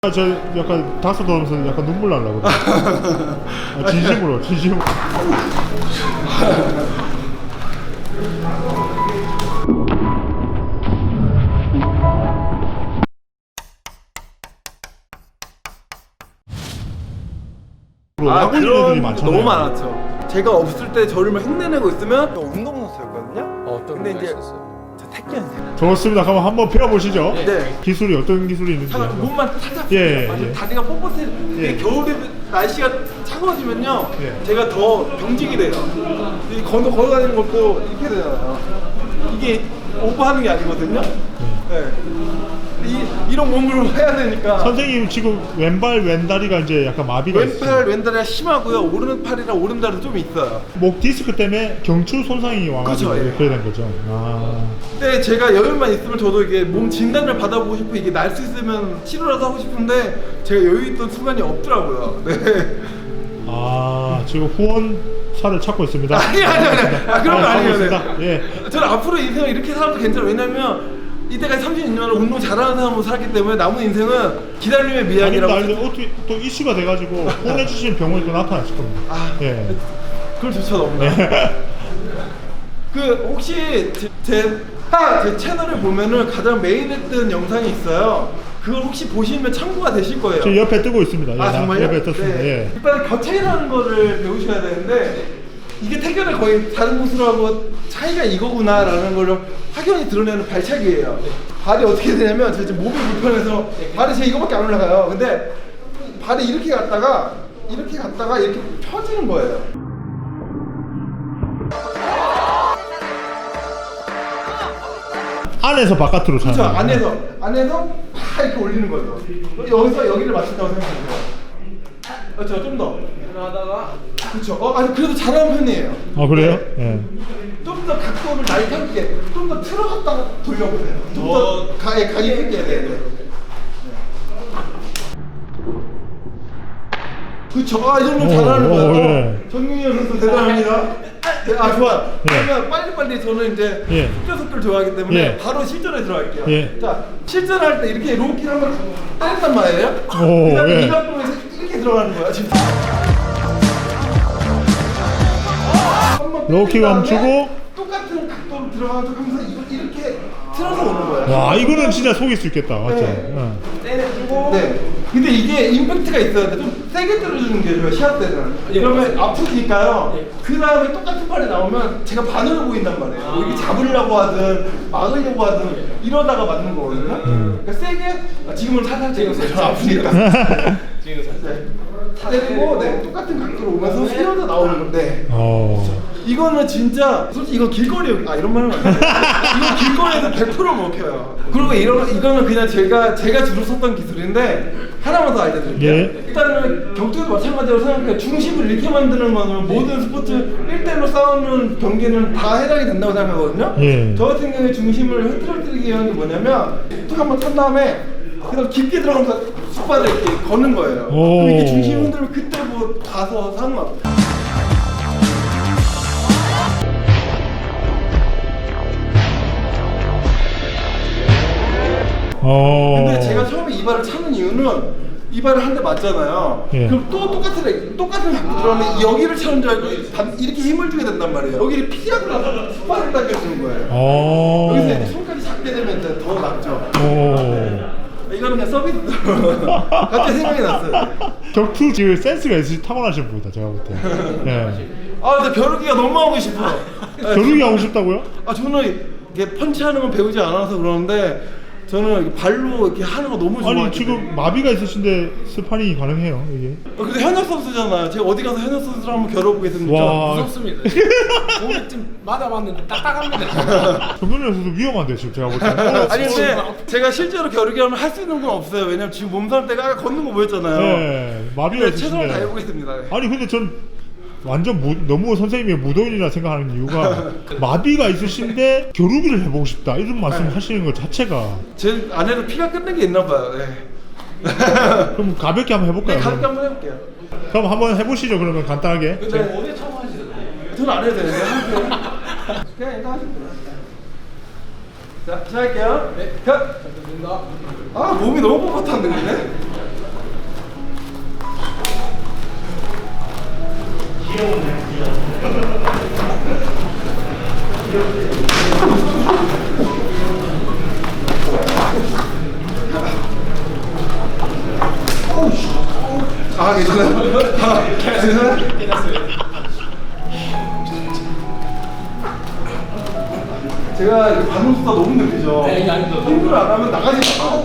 저 약간 다섯 돌면서 약간 눈물 나려고 진심으로. 그런 애들이 많잖아요. 너무 많았죠. 제가 없을 때 저를 흉내내고 있으면 운동선수였거든요. 어떤 근데 이제 있었어요? 저 태권도. 좋습니다. 그럼 한번 배워보시죠. 네. 기술이 어떤 기술이 있는지. 몸만 살짝 예. 다리가 뻣뻣해. 예. 겨울에 날씨가 차가워지면요. 예. 제가 더 병직이 돼요. 이 걸어다니는 것도 이렇게 되잖아요. 이게 오버하는 게 아니거든요. 네. 이런 몸으로 해야 되니까. 선생님 지금 왼발 왼다리가 이제 약간 마비가 있어요. 왼팔 왼다리가 심하고요. 오른팔이랑 오른다리도 좀 있어요. 목 디스크 때문에 경추 손상이 와가지고 그쵸, 예. 그래 된 거죠. 근데 제가 여유만 있으면 저도 이게 몸 진단을 받아보고 싶고 이게 날 수 있으면 치료라도 하고 싶은데 제가 여유 있던 순간이 없더라고요. 네. 지금 후원사를 찾고 있습니다. 아니. 그런 거 아니에요. 네. 있습니다. 예. 저는 앞으로 인생을 이렇게 살아도 괜찮아요. 왜냐면 이때까지 36년을 운동 잘하는 사람으로 살았기 때문에 남은 인생은 기다림의 미학이라고. 아니 어떻게 또 이슈가 돼가지고 후원해주신 병원이 또 나타났을 겁니다. 예. 그걸 조차 너무나. 그 혹시 제 채널을 보면은 가장 메인에 뜬 영상이 있어요. 그걸 혹시 보시면 참고가 되실 거예요. 저 옆에 뜨고 있습니다. 예, 정말요? 옆에 떴습니다. 네. 예. 일단 겨체라는 거를 배우셔야 되는데 이게 태견의 거의 다른 곳으로하고 차이가 이거구나라는 걸 확연히 드러내는 발차기예요. 발이 어떻게 되냐면 저 지금 몸이 불편해서 발이 제 이거밖에 안 올라가요. 근데 발이 이렇게 갔다가 이렇게 펴지는 거예요. 안에서 바깥으로 차는 그렇죠. 거예요. 안에서 팍 이렇게 올리는 거죠. 여기서 여기를 맞춘다고 생각하세요. 그렇죠. 좀 더. 하다가 그렇죠. 아니 그래도 잘하는 편이에요. 그래요? 예. 좀 더 각도를 날렵게, 좀 더 틀어갔다가 돌려보세요. 좀 더 각이 있게. 네. 그쵸. 이 정도 잘하는 거예요. 예. 정민이 선수 대단합니다. 네, 좋아요. 예. 그러면 빨리빨리 저는 이제 예. 속도를 좋아하기 때문에 예. 바로 실전에 들어갈게요. 예. 자, 실전할 때 이렇게 로우킥 한번 때린단 말이에요. 그 다음에 예. 이 각도에서 이렇게 들어가는 거야. 지금. 로우킥 멈추고 똑같은 각도로 들어가는 척 하면서 이렇게 틀어서 오는 거예요. 와 이거는 진짜 속일 수 있겠다. 맞죠? 네. 예. 때려주고. 네. 근데 이게 임팩트가 있어야 돼. 좀 세게 때려주는 게 좋아요. 시합 때는. 그러면 아프니까요. 그 다음에 똑같은 팔이 나오면 제가 반으로 보인단 말이에요. 뭐 이렇게 잡으려고 하든 막으려고 하든 이러다가 맞는 거거든요. 그러니까 세게 지금은 살살 찍었어요. 아프니까. 지금 살짝 때리고 똑같은 각도로 오면서 휘어져 나오는 건데. 이거는 진짜 솔직히 이건 길거리 이런 말 하면 안 돼요. 이건 길거리에서 100% 먹혀요. 그리고 이거는 그냥 제가 주로 썼던 기술인데 하나만 더 알려드릴게요. 예. 일단은 격투도 마찬가지로 생각해요. 중심을 이렇게 만드는 거는 모든 스포츠 1대1로 싸우는 경기는 다 해당이 된다고 생각하거든요. 예. 저 같은 경우에 중심을 흐트러뜨리기 위한 게 뭐냐면 툭 한번 탄 다음에 그다음 깊게 들어가면서 숟발을 이렇게 거는 거예요. 그럼 이게 중심 흔들면 그때 뭐 가서 사는 거 같아요. 근데 제가 처음에 이 발을 차는 이유는 이 발을 한 대 맞잖아요. 예. 그럼 또 똑같은 각도 들어가면 여기를 차는 줄 알고 이렇게 힘을 주게 된단 말이에요. 여기를 피하고 나서 스파를 당겨주는 거예요. 여기서 이제 손까지 잡게 되면 이제 더 낫죠. 이거는 그냥 서비스로 갑자기 생각이 났어요. 격투 지금 센스가 있으시 타고나신 분이다 제가 볼 때. 예. 근데 벼루기가 너무 하고 싶어. 겨루기 하고 싶다고요? 저는 이게 펀치하는 건 배우지 않아서 그러는데 저는 발로 이렇게 하는 거 너무 좋아해요. 아니 지금 마비가 있으신데 스파링이 가능해요 이게? 근데 현역 선수잖아요. 제가 어디 가서 현역 선수를 한번 겨뤄보겠습니다. 와. 무섭습니다. 몸에 좀 맞아봤는데 딱딱합니다. 정근현 선수 위험한데 지금 제가 볼 때. 아니 근데 제가 실제로 겨루기 하면 할 수 있는 건 없어요. 왜냐면 지금 몸살 때가 아까 걷는 거 보였잖아요. 네, 마비가 근데 최선을 있으신데. 다해보겠습니다. 아니 근데 전 완전 너무 선생님이 무도인이라 생각하는 이유가 마비가 있으신데 겨루기를 해보고 싶다 이런 말씀하시는 것 자체가. 제 안에도 피가 끓는 게 있나 봐요. 네. 그럼 가볍게 한번 해볼까요? 가볍게 한번 해볼게요. 그럼 한번 해보시죠. 그러면 간단하게. 근데 어디 처음 하시죠? 저는 안 해도 되는데 그냥 일단 하시면 돼요. 자, 시작할게요. 네. 컷. 감사합니다. 몸이 너무 뻣뻣한데 근데? 아 괜찮아요? 괜찮아요? 제가 반응수가 너무 느끼죠? 네, 이게 아닙니다. 공부를 안 하면 나가지 마.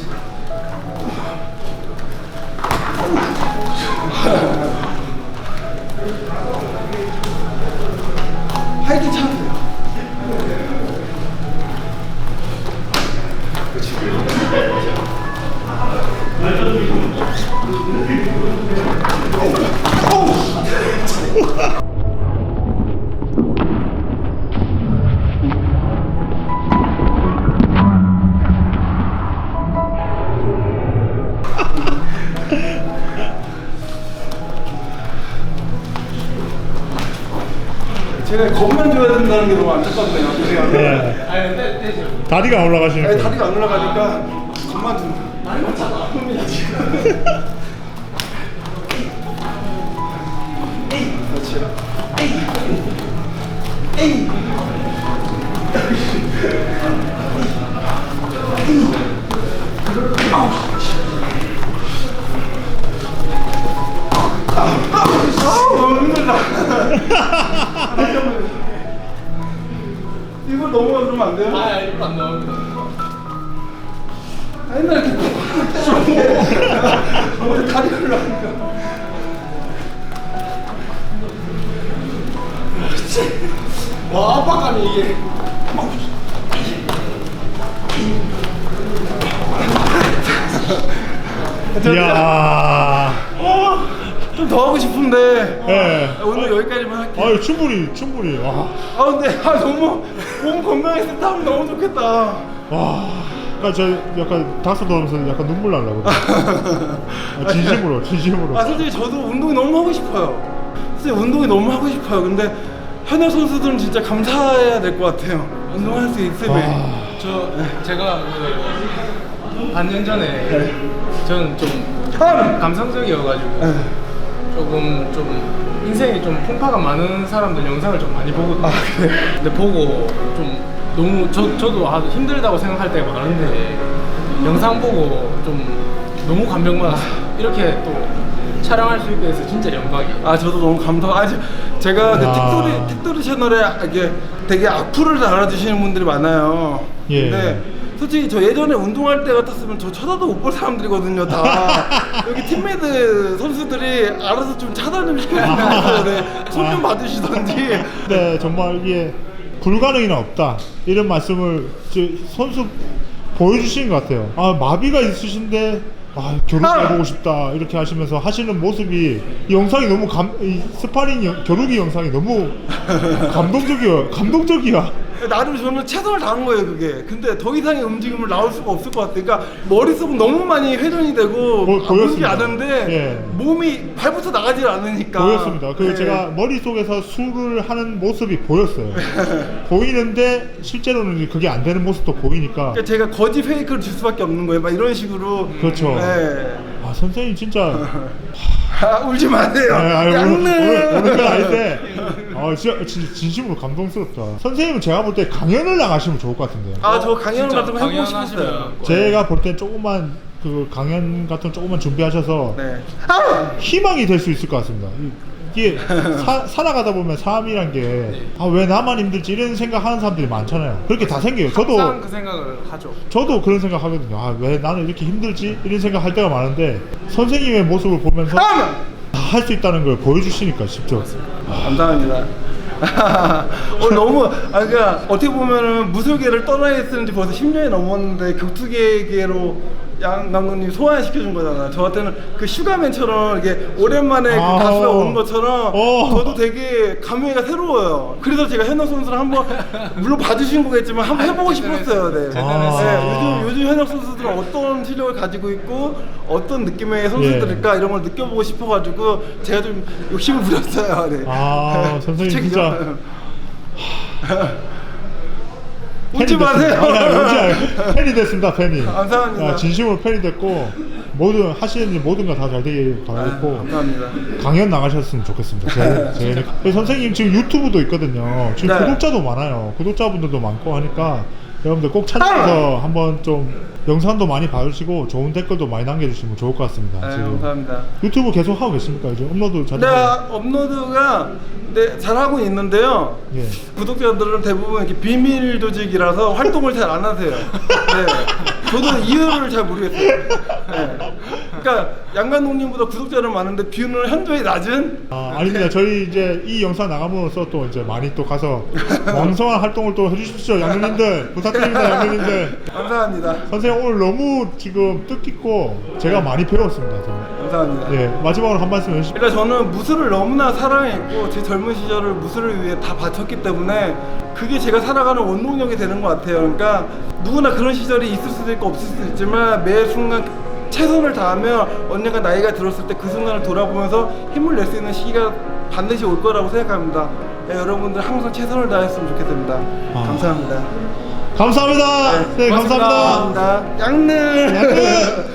활기 차세요. 제가 겁만 줘야 된다는 게 너무 안타깝네요. 네. 아니 떼죠. 다리가 안 올라가시니까. 아니, 다리가 안 올라가니까 겁만 준다. 많이 맞잖아. 아픕니다 지금. 그렇지. 에이. 너무 힘들다. 이걸 넘어가 그러면 안 돼요? 아 이거 안 나옵니다. 옛날에 그 다리 올라가니까. 와 압박감이 이게. 이야. 좀 더 하고 싶은데 예. 오늘 여기까지만 할게요. 아유 충분히. 와. 근데 너무 몸 건강했을 때 하면 너무 좋겠다. 와. 그러니까 저 약간 닥터 돌면서 약간 눈물 날라고. 진심으로. 솔직히 저도 운동이 너무 하고 싶어요. 솔직히 운동이 너무 하고 싶어요. 근데 현역 선수들은 진짜 감사해야 될 것 같아요. 운동할 수 있으면. 제가 반년 전에 저는 좀 감성적이어가지고 조금 좀 인생에 좀 풍파가 많은 사람들 영상을 좀 많이 보거든요. 근데 보고 좀 너무 저도 아주 힘들다고 생각할 때가 많은데 영상 보고 좀 너무 감명받았어요. 이렇게 또 촬영할 수 있게 돼서 진짜 영광이에요. 저도 너무 제가 그 틱토리 채널에 이게 되게 악플을 달아주시는 분들이 많아요. 예. 근데 솔직히 저 예전에 운동할 때 같았으면 저 쳐다도 못 볼 사람들이거든요, 다. 여기 팀메이트 선수들이 알아서 좀 차단 좀 시켜주면 손 좀 봐주시던지. 네, 정말 이게 불가능이는 없다. 이런 말씀을 선수 보여주시는 것 같아요. 마비가 있으신데 겨루기 보고 싶다 이렇게 하시면서 하시는 모습이 이 영상이 너무 이 스파링 겨루기 영상이 너무 감동적이야. 나름 저는 최선을 다한 거예요, 그게. 근데 더 이상의 움직임을 나올 수가 없을 것 같아요. 그러니까 머릿속은 너무 많이 회전이 되고 보이지 보였습니다. 않은데 예. 몸이 발부터 나가질 않으니까 보였습니다. 예. 제가 머릿속에서 술을 하는 모습이 보였어요. 보이는데 실제로는 그게 안 되는 모습도 보이니까. 그러니까 제가 거짓 페이크를 줄 수밖에 없는 거예요. 막 이런 식으로. 그렇죠. 네. 선생님 진짜 울지 마세요. 오늘 건 아닌데 진짜 진심으로 감동스럽다. 선생님은 제가 볼 때 강연을 나가시면 좋을 것 같은데요. 저 강연 같은 거 해보고 싶었어요. 제가 볼 땐 조금만 그 강연 같은 거 조금만 준비하셔서 네. 희망이 될 수 있을 것 같습니다. 이게 살아가다 보면 삶이란 게 왜 나만 힘들지 이런 생각하는 사람들이 많잖아요. 그렇게 다 생겨요. 항상 그 생각을 하죠. 저도 그런 생각 하거든요. 왜 나는 이렇게 힘들지 이런 생각 할 때가 많은데 선생님의 모습을 보면서 다 할 수 있다는 걸 보여주시니까 직접. 감사합니다. 너무 그러니까 어떻게 보면은 무술계를 떠나야 했는지 벌써 10년이 넘었는데 격투계로 양 감독님 소환시켜준 거잖아. 저한테는 그 슈가맨처럼 이게 오랜만에 그 가수가 오는 것처럼 저도 되게 감회가 새로워요. 그래서 제가 현역 선수를 한번 물론 봐주신 거겠지만 한번 해보고 싶었어요. 네. 요즘 현역 선수들은 어떤 실력을 가지고 있고 어떤 느낌의 선수들일까 이런 걸 느껴보고 싶어가지고 제가 좀 욕심을 부렸어요. 네. 선생님 진짜 웃지 마세요. 팬이 됐습니다. 팬이. 감사합니다. 진심으로 팬이 됐고 하시는 일 모든 거 다 잘 되길 바라겠고 감사합니다. 강연 나가셨으면 좋겠습니다. 선생님 지금 유튜브도 있거든요. 지금 구독자도 많아요. 구독자분들도 많고 하니까 여러분들 꼭 찾아서 한번 좀 영상도 많이 봐주시고 좋은 댓글도 많이 남겨주시면 좋을 것 같습니다. 네, 지금 감사합니다. 유튜브 계속 하고 계십니까? 요즘 업로드 자주 네, 하고- 업로드가 네, 잘하고 있는데요. 예. 구독자들은 대부분 이렇게 비밀 조직이라서 활동을 잘 안 하세요. 네. 저도 이유를 잘 모르겠어요. 네. 그러니까 양간동님보다 구독자는 많은데 뷰는 현저히 낮은. 아닙니다. 저희 이제 이 영상 나감으로써 또 이제 많이 또 가서 왕성한 활동을 또 해주십시오. 양누님들 부탁드립니다. 양누님들. 감사합니다. 선생님 오늘 너무 지금 뜻깊고 제가 많이 배웠습니다. 저는. 감사합니다. 예, 마지막으로 한 말씀 해주시죠. 그러니까 저는 무술을 너무나 사랑했고 제 젊은 시절을 무술을 위해 다 바쳤기 때문에 그게 제가 살아가는 원동력이 되는 것 같아요. 그러니까 누구나 그런 시절이 있을 수도 있고 없을 수도 있지만 매 순간 최선을 다하면 언젠가 나이가 들었을 때 그 순간을 돌아보면서 힘을 낼 수 있는 시기가 반드시 올 거라고 생각합니다. 네, 여러분들 항상 최선을 다했으면 좋겠습니다. 감사합니다. 감사합니다. 네, 고맙습니다. 감사합니다. 감사합니다. 양늘. 양늘.